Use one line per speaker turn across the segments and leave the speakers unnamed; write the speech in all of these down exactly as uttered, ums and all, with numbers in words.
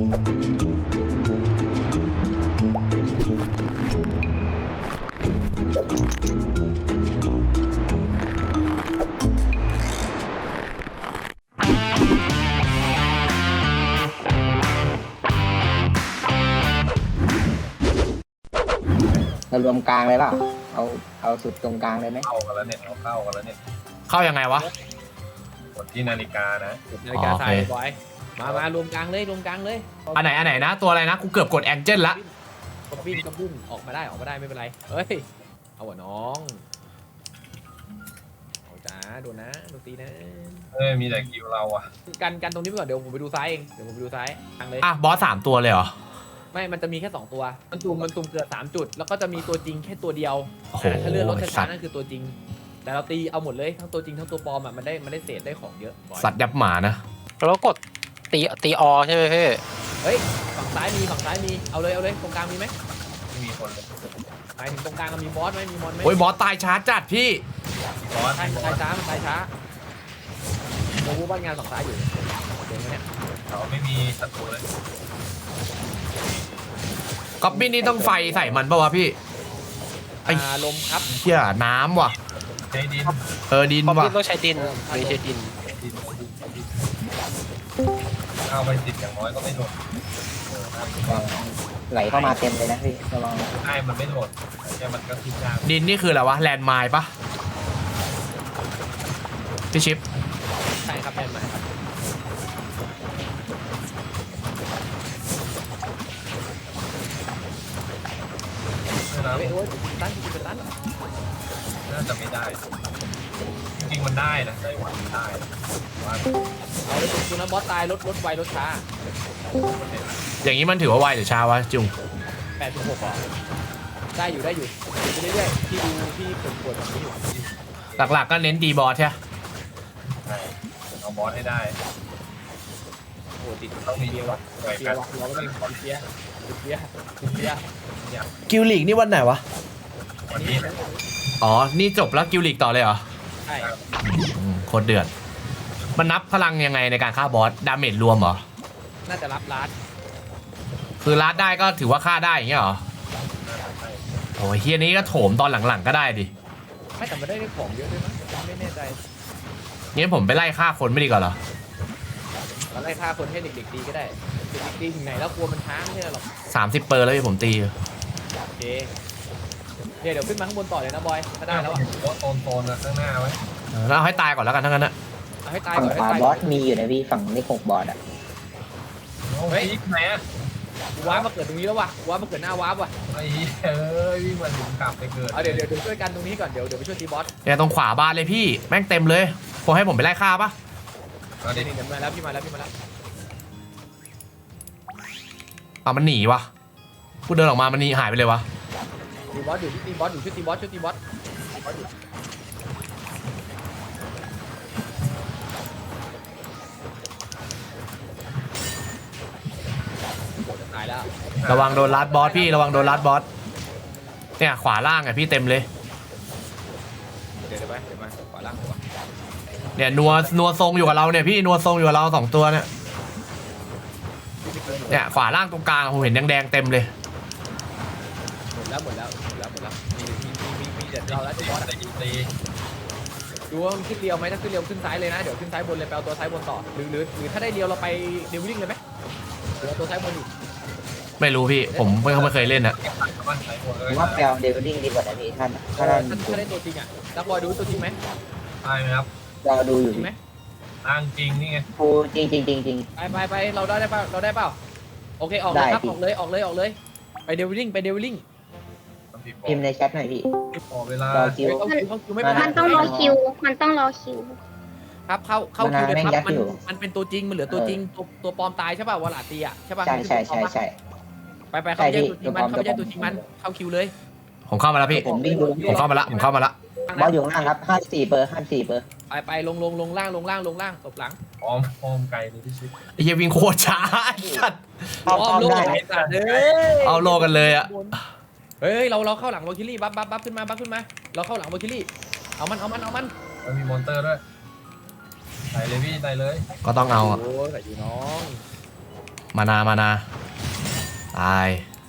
เรารวมกลางเลยเปล่าเอาเอาสุดตรงกลางเลยไหม
เข้ากันแล้วเนี่ยเราเข้ากันแล้วเนี่ย
เข้ายังไงวะ
กดที่นาฬิกานะ
นาฬิกาทราย
โอเค
บอยมามารวมกลางเลยรวมกลางเลย
อันไหนอันไหนนะตัวอะไรนะกูเกือบกดแองเจิลละ
กระบิ้นกระบุ้นออกมาได้ออกมาได้ไม่เป็นไรเฮ้ยเอาวะน้องเอาจ้าโดนนะโดนตีนะ
เอ้ยมีแต่คิวเราอะ
กันกันตรงนี้ไปก่อนเดี๋ยวผมไปดูซ้ายเองเดี๋ยวผมไปดูซ้ายกลางเลย
อ่ะบอสสามตัวเลยเหรอ
ไม่มันจะมีแค่สองตัวมันตุ่มมันตุ่มเกิดสามจุดแล้วก็จะมีตัวจริงแค่ตัวเดียว
โอ้โห
อ่าถ้าเลื่อนรถ
สั
ช้า
ตว์
ๆนั่นคือตัวจริง แต่เราตีเอาหมดเลยทั้งตัวจริงทั้งตัวปลอมอ่ะมันได้มันได้เศษได้ของเยอะบอย
สัตว์ยับหมานะ
แล้วกดตีตีอใช่ไหมพี่
เฮ้ยฝั่งซ้ายมีฝั่งซ้ายมีเอาเลยเอาเลยตรงกลางมีไหม
ไม่มีคนเลย
หมายถึงตรงกลางเรามีบอสไหมมีมอนไหม
โอ้ยบอสตายช้าจัดพี่
บอส
ใช่มันตายช้ามันตายช้าโมบูบ้านงานฝั่งซ้ายอยู่เดินมาเนี่ย
เราไม่มีศัตรูเลย
ก๊อบบี้นี่ต้องไฟใส่มันปะวะพี่ ไอ้
อ่าลมครับ
เหี้ยน้ำว่ะ
ใช้ดิน
เออดิน
เพราะ
ว่ะ
พี่ต้องใช้ดินไม่ใช้ดิน
ดินดินดินเข้าไปสิบอย่างน้อยก็ไม่โดนเออน่าจะ
ไหลเข้ามาเต็มเลยนะพี่ระวัง
ใช่มันไม่โดนแค่มันก็ขึ้นยาก
ดินนี่คืออะไรวะแลนด์ไมล์ปะพี่ชิป
ใช่ครับแมนใหม่ครับ
นะ
เฮ้ยโอ้ยตั้นเป็นตั้น
น่าจะไม่ได้ จริงๆมันได้นะได้หวังได้ว่า
เอาเลยจุดนั้นบอสตายรถรถไวรถช้า
อย่างนี้มันถือว่าไวหรือช้าวะจุง
แปดสิบหกอ่ะได้อยู่ได้อยู่ไปเรื่อยๆที่ดูที่ปวดปวดแบบนี้อยู่
หลักๆก็เน้นดีบอสใช่ไหม
ใช่เอาบอสให้ได้
โอ้ติด
ต้องมี
เบียร์
วั
วะ
ดหน่วย
เบีย
กัน
ร์วะเราก็ต้องติดเบียร์ติดเบียร์ติดเบียร์
กิลลีกนี่วันไหนวะ
วันนี้นะ
อ๋อ นี่จบแล้วกิลลีกต่อเลยเหรอ
ใช่
อืมโคตรเดือด มันนับพลังยังไงในการฆ่าบอส ดาเมจรวมเหรอ
น่าจะรับลัด
คือลัดได้ก็ถือว่าฆ่าได้อย่างเงี้ยเหรอ
น่าจะใช่
โอ้ยเฮียนี้ก็โถมตอนหลังๆก็ได้ดิ
ไม่แต่มันได้ของเยอะด้วยมั้งไม่แน่ใจ
งั้นผมไปไล่ฆ่าคนไม่ดีกว่าเหรอ
เราไล่ฆ่าคนให้เด็กๆตีก็ได้เด็กๆตีถึงไหนแล้วกลัวมันช้าไม่ใช่หรอก
สามสิบเปอร์แล้วพี่ผมตี
โอเคเดี๋ยวเดี๋ยวขึ้นมาข้างบนต่อเลยนะบอยถ้าได้แล้วอ่ะ
บอสโซนโซนข้างหน้าไว้
เออแล้วเอาให้ตายก่อนแล้วกันทั้งนั้นนะ
เอาให้ตาย
ฝั่ง
ก่อน
ข
ให้
วา
ตาย
บ
ก่
อ
อน
สมีอยู่นะพี่ฝั่งเลขหกบอสอ่ะ
เฮ้ยไหนอะ
ว้ามาเกิดตรงนี้แล้ววะว้ามาเกิดหน้าว้าว่ะ
ไอ้เอ้ยวิ่งมาถึงกลับไปเกิด
เอาเดี๋ยวเดี๋ยวเดี๋ยวช่วยกันตรงนี้ก่อนเดี๋ยวเดี๋ยวไปช่วยตีบอส
เนี่ยตรงขวาบ้านเลยพี่ แม่งเต็มเลยผมให้ผมไปไล่ฆ่าปะ
เอา
เดี๋
ดิ
ยวเดี๋ยวมาแล้วพี่มาแล้วพี่มาแล้ว
เอามันหนีวะกูเดินออกมามันหนีหายไปเลยวะ
ตีบอสอยู่ตีบอสอยู่ช่วยตีบอสช่วยตีบอสบอสอยู่ตายแล้ว
ระวังโดนลัดบอสพี่ระวังโดนลัดบอส เนี่ยขวาล่างไงพี่เต็มเลย
เดี๋ยวเดี๋ยวไปเดี๋ยวมาขวาล่างขวา
เนี่ยนัวนัวทรงอยู่กับเราเนี่ยพี่นัวทรงอยู่กับเราสองตัวเนี่ย เนี่ยขวาล่างตรงกลางผมเห็นแดงๆเต็มเลย
หมดแล้วหมดแล้วหมดแล้วหมดแล้วมีมีมีมีมีเดี๋ยวเราแล้วตีบอส
ตีตี
ดูว่ามันขึ้นเรียวไหมถ้าขึ้นเรียวขึ้นซ้ายเลยนะเดี๋ยวขึ้นซ้ายบนเลยไปเอาตัวซ้ายบนต่อหรือหรือหรือถ้าได้เรียวเราไปเดวิลลิ่งเลยไหมหรือเอาตัวซ้ายบนอยู่
ไม่รู้พี่ผมไม่ไม่เคยเล่นอะ
บ้านไหนหมดเล
ผ
ย
มว่าแปลเดวิลลิ่งดีกว่านะพี่ท่านถ้า
ถ้า
ท่าน
ถ้าได้ตัวจริงอ่ะนักบอยดูตัวจริงไหม
ได้ไหมครับ
เราดูอยู่
จริงไหม
อ้างจริงนี่ไง
ปูจริงจริงจริงจริง
ไปไปไปเราได้ได้เปล่าเราได้เปล่าโอเคออกเลยครับ
ได้พี่
ออกเลยออกเลยออกเลยไปเดวิลลิ่งไปเดวิลลิ่ง
พิมพ์ในแชทหน่อยพี่
พอเวลา
รอคิว
เข้าคิวเข้าคิวไม่เป็นไร
มันต้องรอคิว มันต้องรอคิว
ครับเข้าเข้าคิวเลย
มัน
ครับ
ยัด
มัน
อยู่
มันเป็นตัวจริงมันเหลือตัวจริงตัวตัวปลอมตายใช่ป่ะวลาตีอ่ะใช่ป่ะ
ใช่ใช่ใช่ใช่
ไปไปเข้าไปแย่งตัวจริงมันเข้าไปแย่งตัวจริงมันเข้าคิวเลย
ผมเข้ามาแล้วพี่
ผมวิ่งดู
ผมเข้ามาละผมเข้ามาละ
บอสอยู่ข้างล่างครับห้าสี่เปอร์ห้าสี่เปอร์
ไปไปลงลงลงล่างลงล่างลงล่างตบหลัง
พร้อมพร้อมไกลเลยที่ชิด
ไอ้เหี้ยวิ่งโคตรช้าจัด
อ้อมอ้อม
โลก
ได้
ไอ้สัตว์เอ้ย
เอาโลกันเลยอะ
เฮ้ยเราเราเข้าหลังวอลคิลี่บัฟบัฟบัฟขึ้นมาบัฟขึ้นมาเราเข้าหลังวอลคิลี่เอามันเอามันเอามัน
แล้วมีมอนเตอร์ด้วยใส่เลยพี่ใส่เลย
ก็ต้องเอาอะ
โอ้ยใส่อยู่น้อง
มานามานาตาย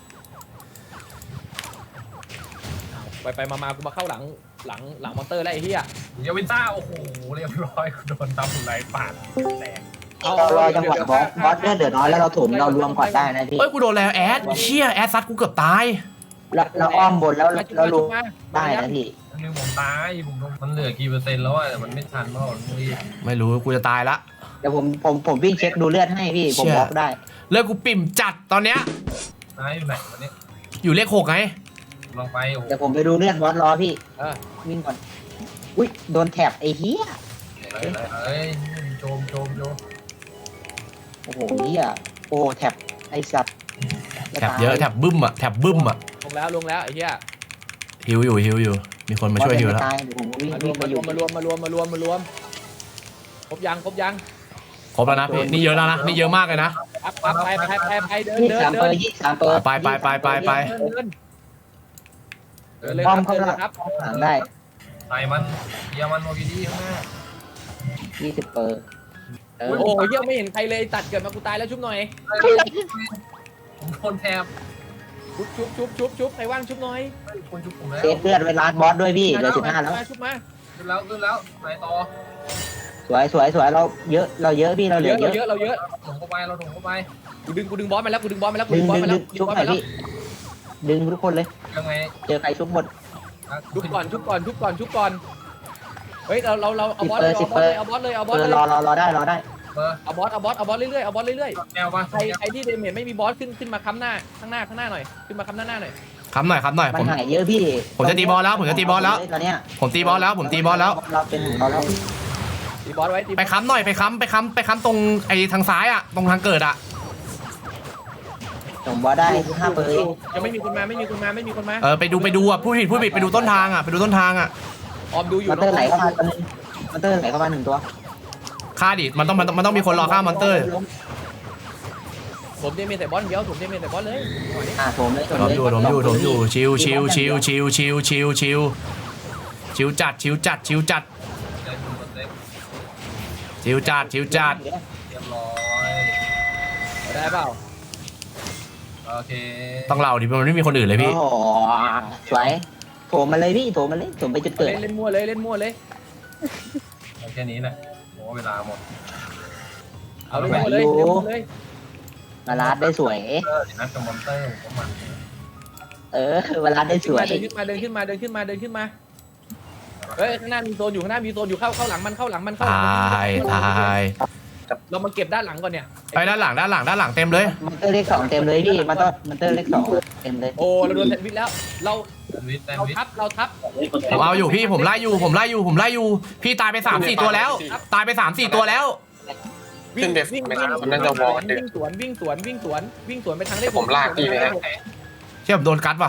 ไปไปมามากูมาเข้าหลังหลังหลังมอนเตอร์แล้วไอ้เหี้ย
เดี๋ยววินต้าโอ้โหเรียบร้อยโดนตำไหลปาดแตก
เรารอจังหวะบอสบอสเลือดเดือดน้อยแล้วเราถมเรารวมก่อนได้นะพี่
เอ้ยกูโดนแล้วแอดเชี่ยแอดซัดกูเกือบตาย
เราเราอ้อมบนแล้วเรารวม
มา
ได้นะพี่
นึงผมตายผมโดนมันเหลือกี่เปอร์เซ็นต์แล้วอะแต่มันไม่ทันเพราะมันรีบ
ไม่รู้กูจะตายละ
เดี๋ยวผมผมผมวิ่งเช็คดูเลือดให้พี่ผมบล็อกได้
เลือดกูปิ่มจัดตอนเนี้ย
ตายอยู่ไหนวันนี้
อยู่เลขหกไง
ลองไปโอ้โห
เดี๋ยวผมไปดูเลือดบอสรอพี่
เออ
วิ่งก่อนอุ้ยโดนแถบไอ้เหี้ย
อะไรอะไรเอ้ยโจมโจมโจม
โอ้โหเหี้ยโอ้แถบไอ้สัตว์
แถบเยอะแถบบึ้มอะแถบบึ้มอะ
ลงแล้วลงแล้วไอ้เหี้ย
ฮิวอยู่ฮิวอยู่มีคนมาช่วยฮิวแล้ว
ตายเดี๋ยวผมวิ่ง
มาร
วิ่
ว
ง
ม
ไป
มา
อ
ร
ยู่
วมมารวมมารวมมารวมมารวมครบยังครบยัง
ครบแล้วนะพี่นี่เยอะแล้วนะนี่เยอะมากเลยนะ
ปั๊บปั๊บไปไปไปไปเดิน
ยี่
เดิ
สาน ม
เดิ
เปอน ร์ยี่สามเปอร์
ไปไปไปไปไป
เดินเดินเดินเลย
ป้
ค
อ
รั
ม
บ
เข้า
เดิน
ห
เล
ลั
ยครับ
หลังได้
ใส่มันเยียมันโมกิดีข้างหน้า
ยี่สิบเปอร์เออ
โอ้โหเหี้ยไม่เห็นใครเลยตัดเกิดมากูตายแล้วชุบหน่อย
ผมโดนแทบ
ชุบชุบชุบชุบชุบใครว่างชุบหน่อย
คนชุบผมแล้ว
เซฟเลือดไว้ล้านบอสด้วยพี่เหลือสิบห้าแล้ว
ชุบมา
ขึ้นแล้วขึ้นแล้วไหนต่อ
สวยสวยสวยเราเยอะเราเยอะพี่เราเหลื
เย
อ
อะ
เย
เรา
อะ
เยอะเราเยอะ
ถงเข้าไปเราถงเข้าไป
กูดึงกูดึงบอสมาแล้วกูดึงบอสมาแล้วกู
ดึ
ดึ
ง
งบอส
ดึง
มาแล้
ดึ
ว
งชุบหน่อยพี่ดึงทุกคนเลย
ยังไง
เจอใครชุบหมด
ชุบก่อนชุบก่อนชุบก่อนชุบก่อนเฮ้ยเราเราเราเอาบอสเลยเอาบอสเลยเอาบอสเลยเอาบอส
เอ
เล
อย รอรอรอได้รอได้
เบอร์
เอาบอสเอาบอสเอาบอสเรื่อยๆเอาบอสเรื่อย
แก้วปะ
ๆใครใครที่เดเมจไม่มีบอสขึ้นขึ้นมาค้ำหน้าข้างหน้าข้างหน้าหน่อยขึ้นมาค้ำหน้าหน้าหน่อย
คำหน่อยคำหน่อย
มั
ผ
น
ม
หายเยอะพี่
ผมจะตีบอลแล้วผมจะตีบอลแล้ว
ตอนเนี้ย
ผมตีบอลแล้วผมตีบอลแล้ว
เราเป็นของเราแล้ว
ตีบอสไว้ตี
ไปค้ำหน่อยไปค้ำไปค้ำไปค้ำตรงไอ้ทางซ้ายอะตรงทางเกิดอะ
ผมบอสได้ห้าเปอร์
ยังไม่มีคนมาไม่มีคนมาไม่มีคนมา
เออไปดูไปดูอะพูดผิดพูดผิดไปดูต้นทางอะไปดูต้นทางอะ
ออมดูอยู่
มอนเตอร์ไหลเข้ามาตัวนึงมอนเตอร์ไหลเข้ามาหนึ่งตัว
ฆ่าดิมันต้องมันต้องมันต้องมีคนรอฆ่ามอนเตอร์
ผมเดเมจแต่บอสเดียวผมเดเมจแต่บอสเลย
อ่าผมเลย
ถมอยู่ถมอยู่ถมอยู่ชิวชิวชิวชิวชิวชิวชิวชิวจัดชิวจัดชิวจัด
เดินอยู่บนเต็ก
ชิวจัดชิวจัด
เรียบร้อย
ได้เปล่า
โอเค
ต้องเราดิมันไม่มีคนอื่นเลยพี่
โอ้โหสวยโถมมาเลยพี่โถมมาเลยโถมไปจุดเกิด
เล่นเล่นมั่วเลยเล่นมั่วเลย
เอาแค่นี้แหละโอ้เวลาหมด
เอาเล่นมั่วเลยเล่นมั่วเลย
มาลาดได้สวย
เออนัดกับมอนเตอร์ผมก็มัน
เออมาลาดได้สวย
เดินขึ้นมาเดินขึ้นมาเดินขึ้นมาเดินขึ้นมาเฮ้ยข้างหน้ามีโซนอยู่ข้างหน้ามีโซนอยู่เข้าเข้าหลังมันเข้าหลังมันเข้าหลั
ตาง
มัน
ยตาย
เรามาเก็บด้านหลังก่อนเนี่ย
ไปด้านหลังด้านหลังด้านหลังเต็มเลย
มอนเตอร์เลขสองเต็มเลยพี่มอนเตอร์มอนเตอร์เลขสองเต็มเลย
โอ้เราโดนแซนด์วิชแล้ว เรา
แซนด์วิชแซน
เรา
ด์วิช
ทับเราทับ
ผมเอาอยู่พี่ผมไล่อยู่ผมไล่อยู่ผมไล่อยู่พี่ตายไปสามสี่ตัวแล้ว ตายไปสามสี่ตัวแล้ว
วิ่งวิ่งวิ่งวิ่งสวนวิ่งสวนวิ่งสวนวิ่งสวนไปทางได้
ผมลากพี่ไปนะ
เชื่อผมโดนกัดว่ะ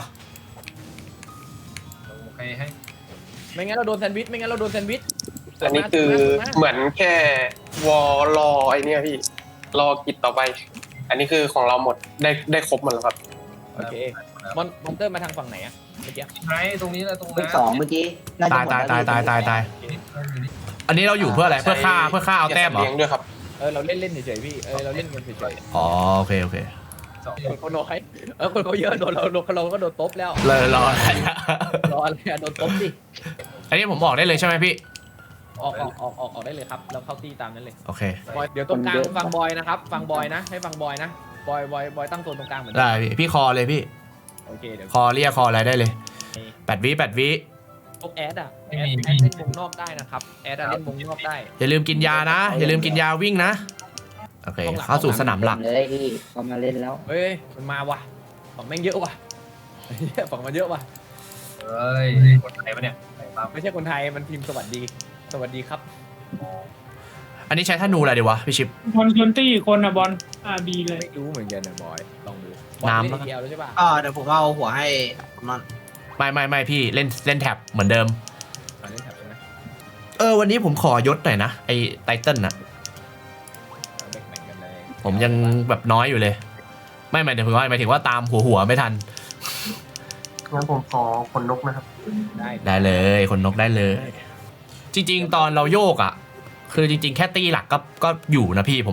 โอเคให้
ไม่งั้นเราโดนแซนด์วิชไม่งั้นเราโดนแซนด์วิช
อันนี้คือเหมือนแค่วอลรอไอเนี้ยพี่ รอกิจต่อไป อันนี้คือของเราหมดได้ได้ครบหมดแล้วครับ
โอเคมอนมอนเตอร์มาทางฝั่งไหนอะเมื่อกี้
ไหนตรงนี้เลยตรง
เล
นั้
ข
น
สองเมื่อกี้น่าจะ
ตาย
หมด
ตายตายตายตายตายอันนี้เราอยู่เพื่ออะไรเพื่อฆ่าเพื่อฆ่าเอาแต้มเหรอ
เลี้ยงด้วยครับ
เออเราเล่นเล่นเฉยๆพี่เออเราเล่นกันเฉย
อ๋อโอเคโอเค
สอง
ๆคนเขาน้อยเออคนเขาเยอะโดนเราเราก็โดนตบแล้ว
เลยรออะไร
รออะไรอะโดนตบสิ
อันนี้ผมบอกได้เลยใช่ไหมพี่
ออกออกออกออกออกได้เลยครับเราเข้าตีตามนั้นเลย
โอเค
บอยเดี๋ยวตรงกลางฟังบอยนะครับฟังบอยนะให้ฟังบอยนะบอยบอยบอยตั้งโซนตรงกลางเหมือนกั
ได้พี่พี่คอเลยพี่
โอเคเดี๋ยว
คอเรียกคออะไรได้เลยแปดวิแปดวิ
พวกแอดอะแอดแอดเล่นวงนอกได้นะครับแอดอะเล่นวงนอกได้
อย่าลืมกินยานะ อย่าลืมกินยาวิ่งนะโอเคเข้าสู่สนามหลัก
เลยพี่เขามาเล่นแล้ว
เฮ้ยมันมาว่ะฝั่งแม่งเยอะว่ะฝั่งมันเยอะว่ะ
เฮ้ยคนไทยปะเนี่ยตาม
ไม่ใช่คนไทยมันพิมพ์สวัสดีสวัสดีครับ
อันนี้ใช้ธนูอะไรดีวะพี่ชิป
บอลชวนตี้คนอะบอลอาบีเลย
ไม่รู้เหมือนกันนะบอยลองดู
น้ำ
บ
แล้
อ
ว
ลเล่นเดียวแล้วใช่ป่ะ
อ่าเดี๋ยวผมเอาหัวให้มัน
ไม่ไม่ไม่พี่เล่นเล่นแท็บเหมือนเดิม
อ่าเล่นแถบใช่ไหม
เออวันนี้ผมขอยศหน่อยนะไอไตเติ้ลน่ะ
เอาแบ่งๆกันเลย
ผมยังแบบน้อยอยู่เลย ไม่หมายถึงว่าหมายถึงว่าตามหัวหัวไม่ทัน
งั้นผมขอคนนกนะครับ
ได้
ได้เลยคนนกได้เลย จริง ๆ ตอนเราโยกอ่ะ คือจริง ๆ แค่ตีหลักก็ก็อยู่นะพี่ผมว่า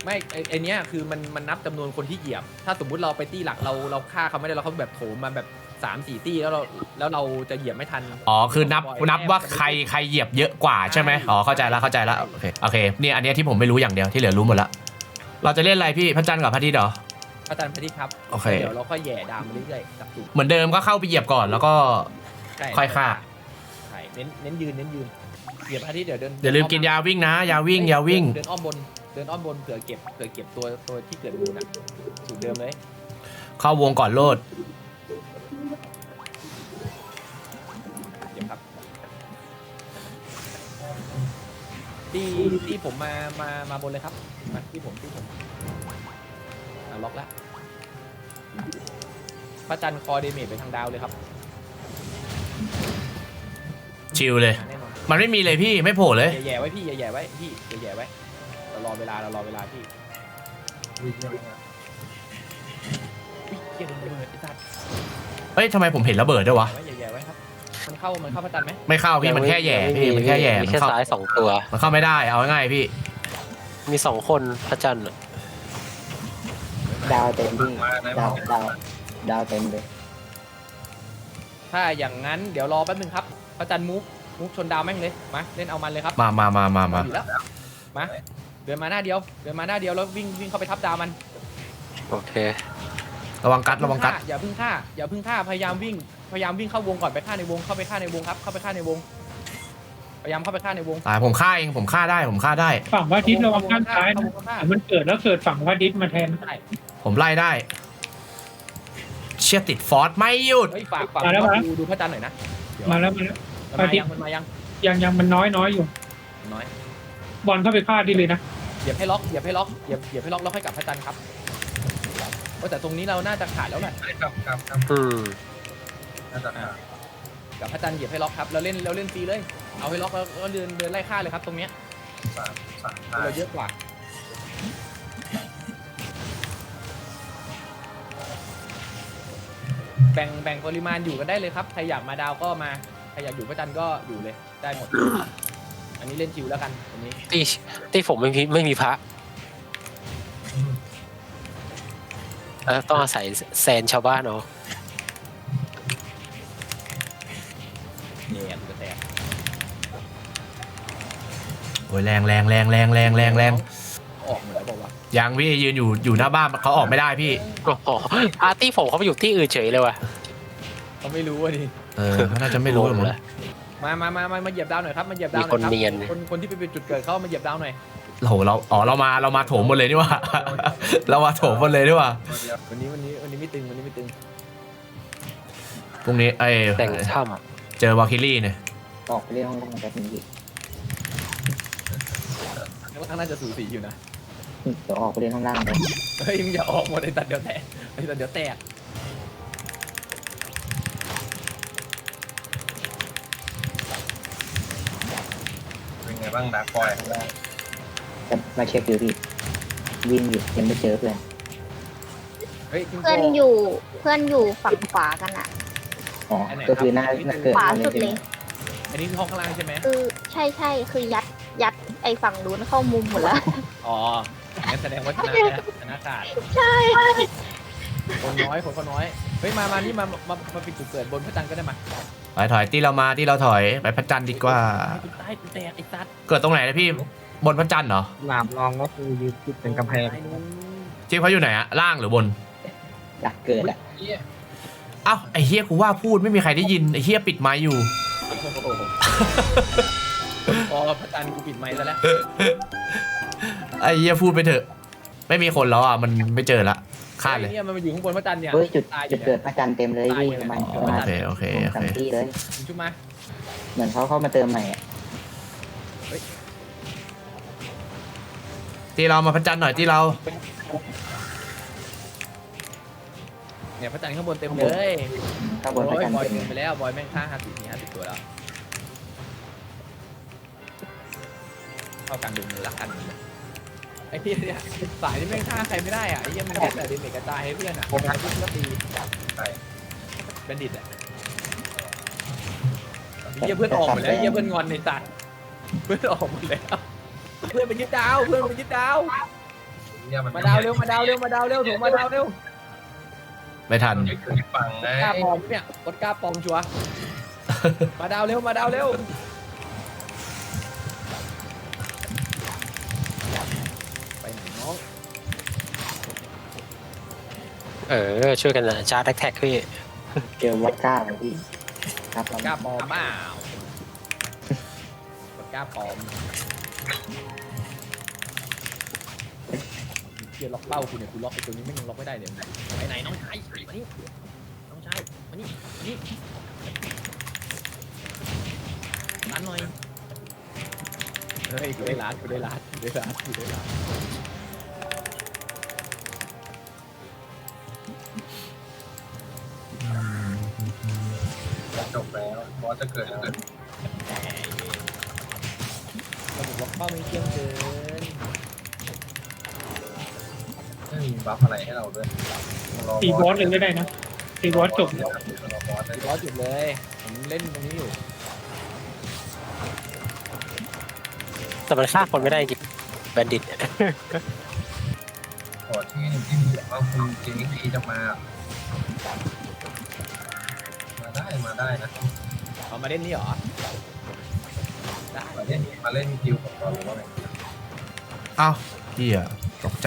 ไม่ไอไอเนี้ยคือมันมันนับจำนวนคนที่เหยียบ ถ้าสมมุติเราไปตี้หลักเราเราฆ่าเขาไม่ได้เราเขาแบบโถมมาแบบสามสี่ตี้แล้วเราแล้วเราจะเหยียบไม่ทัน
อ๋อคือนับนับว่าใครใครเหยียบเยอะกว่าใช่ไหมอ๋อเข้าใจแล้วเข้าใจแล้วโอเคโอเคเนี่ยอันเนี้ยที่ผมไม่รู้อย่างเดียวที่เหลือรู้หมดละเราจะเล่นอะไรพี่พระจันทร์กับพระอาทิตย์เหรอ
พระจันทร์พระอาทิตย์ครับ
โอเค
เดี๋ยวเราค่อยแย่ดามมาเรื่อยๆกับจุด
เหมือนเดิมก็เข้าไปเหยียบก่อนแล้วก็
ใช่
ค่อยฆ่า
ใช่เน้นเน้นยืนเน้นยืนเหยียบพระอาทิตย์เดี๋ยวเดิน
อย่าลืมกินยาวิ่งนะยาวิ่งยาวิ่ง
เดินอ้อมบนเดินอ้อมบนเผื่อเก็บเผื่อเก็บตัวตัวที่เกิดมูลอ่ะสูตรเดิมเลย
เข้าวงก่อนโลด
เดี๋ยวครับที่ที่ผมมามามาบนเลยครับมาที่ผมที่ผมอ่ะล็อกแล้วพระจันทร์คอเดเมจไปทางดาวเลยครับ
ชิลเลย
แน่นอน
มันไม่มีเลยพี่ไม่โผล่เลย
แย่ๆไว้พี่แย่ๆไว้พี่แย่ๆไว้เรารอเวลาเรารอเวลาพี่
อุ้ยเยี่ยมมาก
อุ้ยเกียร์โดนระเบิดไอ้สัตว์
เอ้ยทำไมผมเห็นระเบิดด้วยวะ
ไว้แย่ๆไว้ครับมันเข้ามันเข้าพระจันทร์ไหม
ไม่เข้าพี่มันแค่แหย่พี่มันแค่แหย่
มี
มัน
แค่
เข้า
ซ้ายสองตัว
มันเข้าไม่ได้เอาง่ายๆพี่
มีสองคนพระจันทร์อะ
ดาวเต็มที่
มาไหน
ดาว
มา
ดาวดาวเต็มเลย
ถ้าอย่างนั้นเดี๋ยวรอแป๊บนึงครับพระจันทร์มูฟมูฟชนดาวแม่งเลยมาเล่นเอามันเลยครับ
มามามามามา
อยู่แล้วมาเดินมาหน้าเดียวเดินมาหน้าเดียวแล้ววิ่งวิ่งเข้าไปทับดาวมัน
โอเค
ระวังกัดระวังกัด
อย่าเพึ่งฆ่าอย่าเพึ่งฆ่าพยายามวิ่งพยายามวิ่งเข้าวงก่อนไปฆ่าในวงเข้าไปฆ่าในวงครับเข้าไปฆ่าในวงพยายามเข้าไปฆ่าในวง
ตายผมฆ่าเองผมฆ่าได้ผมฆ่าได้
ฝั่งพระอาทิตย์ระวังข้างซ้ายนะ
เข้วงฆ่า
แต่มันเกิดแล้วเกิดฝั่งพระอาทิตย์มาแทน
ใช่
ผมไล่ได้ เชี่ยติดฟอสไม่หยุด
เฮ้ยฝากฝากดูดูพระจันทร์หน่อยนะเดี๋ยว
มาแล้วมาแล้ว
มันมายังมันมายัง
ยังยังมันน้อยน้อยอยู่
น้อย
บอลเข้าไปฆ่าดีเลยนะ
เหยียบให้ล็อกเหยียบให้ล็อกเหยียบเหยียบให้ล็อกแล้วค่อยกลับพระจันทร์ครับโอ้แต่ตรงนี้เราน่าจะขาดแล้วแหละ
ไอ้กับกับกับ
อืม
น่าจะอ่า
กับพระจันทร์เหยียบให้ล็อกครับเราเล่นเราเล่นฟรีเลยเอาให้ล็อกแล้วก็เดินเดินไล่ฆ่าเลยครับตรงเนี้ย
สามสามห้า
เราเยอะกว่าแบ่งแบ่งปริมาณอยู่กันได้เลยครับใครอยากมาดาวก็มาใครอยากอยู่พระจันทร์ก็อยู่เลยได้หมด อันนี้เล่นชิวแล้วกันอันนี้
ที่ที่ผมไม่มีไม่มีพระเออต้องอาศัยแซนชาวบ้านเอา
แย่กูจะแตก
โอ้ยแรงแรงแรงแรงแรงแรงแรง
ออกหมดแล้วบอกว่า
ยังพี่ยืนอยู่อยู่หน้าบ้านเขาออกไม่ได้พี่
โอ้โหอาร์ตี้ผมเขาไปอยู่ที่อื่นเฉยเลยว่ะ
เขาไม่รู้อ่ะดิ
เออเขาน่าจะไม่รู้หรอกมั้ง
มามามามามาเหยียบดาวหน่อยครับมาเหยียบดาวหน่อยครับคนคนที่ไปเป็นจุดเกิดเขามาเหยียบดาวหน่อย
โอ้โหเราอ๋อเรามาเรามาโถมหมดเลยนี่หว่า เรามาโถมหมดเลยนี่หว่า
ตัวเดียว
วันนี้วันนี้วันนี้ไม่ตึงวันนี้ไม่ตึง
พรุ่งนี้ไอ้
แต่งถ้
เจอวาคิลี่เนี่ย
ออกไปเล่นห้องล่างแบบนี้
แล้วข้างหน้าจะสูสีอยู่นะ
เดี๋ยวออกไปเล่นห้องล่างเลย
เฮ้ยมึงอย่าออกหมดไอ้ตัดเดี๋ยวแตกไอ้ตัดเดี๋ยวแตก
เป็นไงบ้างดาร์กบอย
จะมาเช็คอยู่พี่วิ่งอยู่ยังไม่เจอเพื่อน
เฮ้ยคุณโจ
เพื่อนอยู่เพื่อนอยู่ฝั่งขวากันอะ
อ๋อก็คือหน้าหน้าเกิด
ขวา
มาเล
สุ
ย
ด
ใช่
เล
ไหม
ย
อันนี้คือห้องข้างล่างใช่ไหม
คือใช่ใช่คือยัดยัดไอ้ฝั่งนู้นเข้ามุมหมดแล้ว
อ๋องั้นแสดงว่าชนะนะชนะขาด
ใช่
คนน้อยคนก็น้อยเฮ้ยมามานี่มามามาปิดจุดเกิดบนพระจันทร์ก็ได้มา
ไปถอยที่เรามาที่เราถอยไปพระจันทร์ดีกว่า
กูตายกูแตกไอ้ตัด
เกิดตรงไหนนะพี่บนพระจันทร์เหรอ
หลามรองก็คือยืนติดเป็นกำแพง
ตายนู้น
ที่เขาอยู่ไหนอะล่างหรือบน
อยากเกิดอ่ะ
เอ้าไอ้เฮียกูว่าพูดไม่มีใครได้ยินไอ้เฮียปิดไมค์อยู่
พอพระจันทร์กูปิดไมค์ซะแล้ว
ไอ้เฮียพูดไปเถอะ ไม่มีคนแล้วอ่ะมันไม่เจอละฆ่าเลย
เนี่ยมันมาอยู่ข้างบนพระจันทร์เนี่ย
เฮ้ยจุด
ตายอ
จุ
ยู่
ด
เนี่
เกิ
ย
ดพระจันทร์เต็มเลยพี่ประมาณประมาณ
โอเคโอเคโอ
สาม
เค
ที่เลย
คุณชุบมา
เหมือนเขาเข้ามาเติมใหม่อ่ะ
ที่เรามาพระจันทร์หน่อยที่เรา
เนี่ยพระจันทร์ข้างบนเต็มเลย
ข้างบนพ
โอ้
ระ
ย
จันทร์
บอย
เต็ม
เกินไปแล้วบอยแม่งฆ่าห้าสิบสี่ห้าสิบตัวแล้วเข้ากลางดึงเลยละกันไอ้เหี้ยเนี่ยสายนี่แม่งฆ่าใครไม่ได้อ่ะไอ้เหี้ยมันแค่แต่เดเมจกระจายให้เพื่อนอ่ะเพื่อนก็ตี
ใช่
เป็นดิดอ่ะไอ้เหี้ยเพื่อนออกหมดแล้วไอ้เหี้ยเพื่อนงอนในตัดเพื่อนออกหมดแล้วเพื่อนไปยึดดาวเพื่อนไปยึดดาว
เนี่ยมัน
มาดาวเร็วมาดาวเร็วมาดาวเร็วโถมาดาวเร็ว
ไม่ทัน
มันไม่เคยฟังไง
กล้าปลอมเนี่ยกดกล้าปลอมชัวร์มาดาวเร็วมาดาวเร็วไปไหนน้อง
เออ ช่วยกันนะชาร์จแท็กพี่
เจอวัดก้าเลยพี่ครับผม
กล้าปลอมเปล่ากดกล้าปลอมเกียร์ล็อกเป้าคุณเนี่ยคุณล็อกไอ้ตัวนี้ไม่ยังล็อกไม่ได้เลยไปไหนน้องชายมานี่น้องชายมานี่มานี่ร้านหน่อยเฮ้ยกูได้ร้านกูได้ร้านกูได้ร้านกูได้ร้าน
จบแล้วบอสจะเกิดจะเกิด
ระบบล็อกเป้าไม่เที่ยงเกิน
ไม่มีบัฟอะไรให้เราด้วยร
ตีบอสเลยก็ได้นะตีบอสจบ
รอบอสได้
ร้อยจุดเลยผมเล่นตรงนี้อยู่
แต่มันฆ่าคนไม่ได้จริงแบนดิต
ขอที่หนึ่งที่มีแบบว่าคุณเจนิกีจะมา มาได้มาได้นะ
เอามาเล่นนี่เหรอได้
มาเล่นมาเล่นคิวของเราหรือว่าไง
เอ้าเฮียตกใจ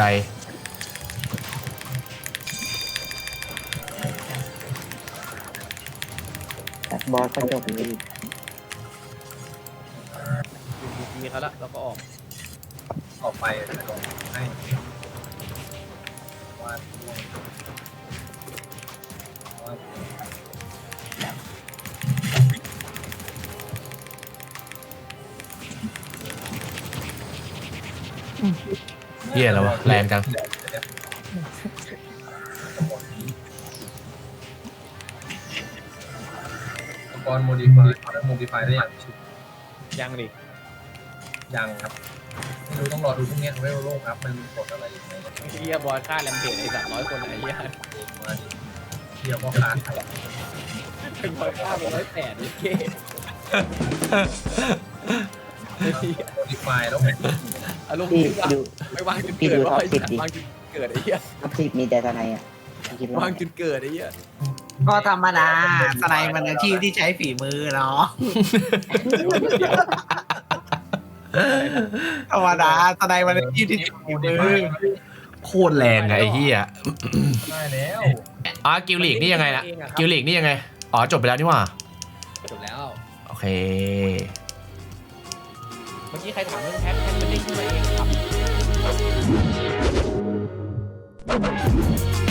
แต่บอสก็จบเลยพี่
มีเขาละแล้วก็ออก
ออกไปจะลงให้วาดด้วยวาด
เฮียแล้ววะแรงจัง
อุปกรณ์โมดิฟายโมดิฟายได้อย่างชิว
ยังดิ
ยังครับไม่รู้ต้องรอดูพวกนี้ไม่รู้โลกครับมันกดอะไรยังไง
เฮียบอลฆ่าแลมเพจไอ้สัตว์ร้อยคนไอ้เฮีย
มาดิเที่ยวพ่อค้าขาย
เป็นบอลฆ่าเป็นร้อยแปดดิเก้
โมดิฟายแล้ว
อารมณ์
พี่
ดีว่ะ
ดู
ไม่วางจุด
พี่
เกิ
ดู
ด
ท็อป
ไอ้
สิบ
สัต
ดิ
ว์วางจุดเกิดไอ้เฮีย
ท็อปสิบมีแต่ทนายอ่ะพี่คิดว่าว
างจุดเกิดไอ้เฮีย
ก็ธรรมดาสไนมันอาชีพที่ใช้ฝีมือเนาะธรรมดาสไนมันอาชีพที่ใช้ฝีมือ
โคตรแรงอะไอ้เฮีย
ได้แล้ว
อ๋อกิลลีกนี่ยังไงล่ะกิลลีกนี่ยังไงอ๋อจบไปแล้วนี่หว่า
จบแล้ว
โอเค
เมื่อกี้ใครถามเรื่องแพทแพทมันเด้งขึ้นมาเองครับ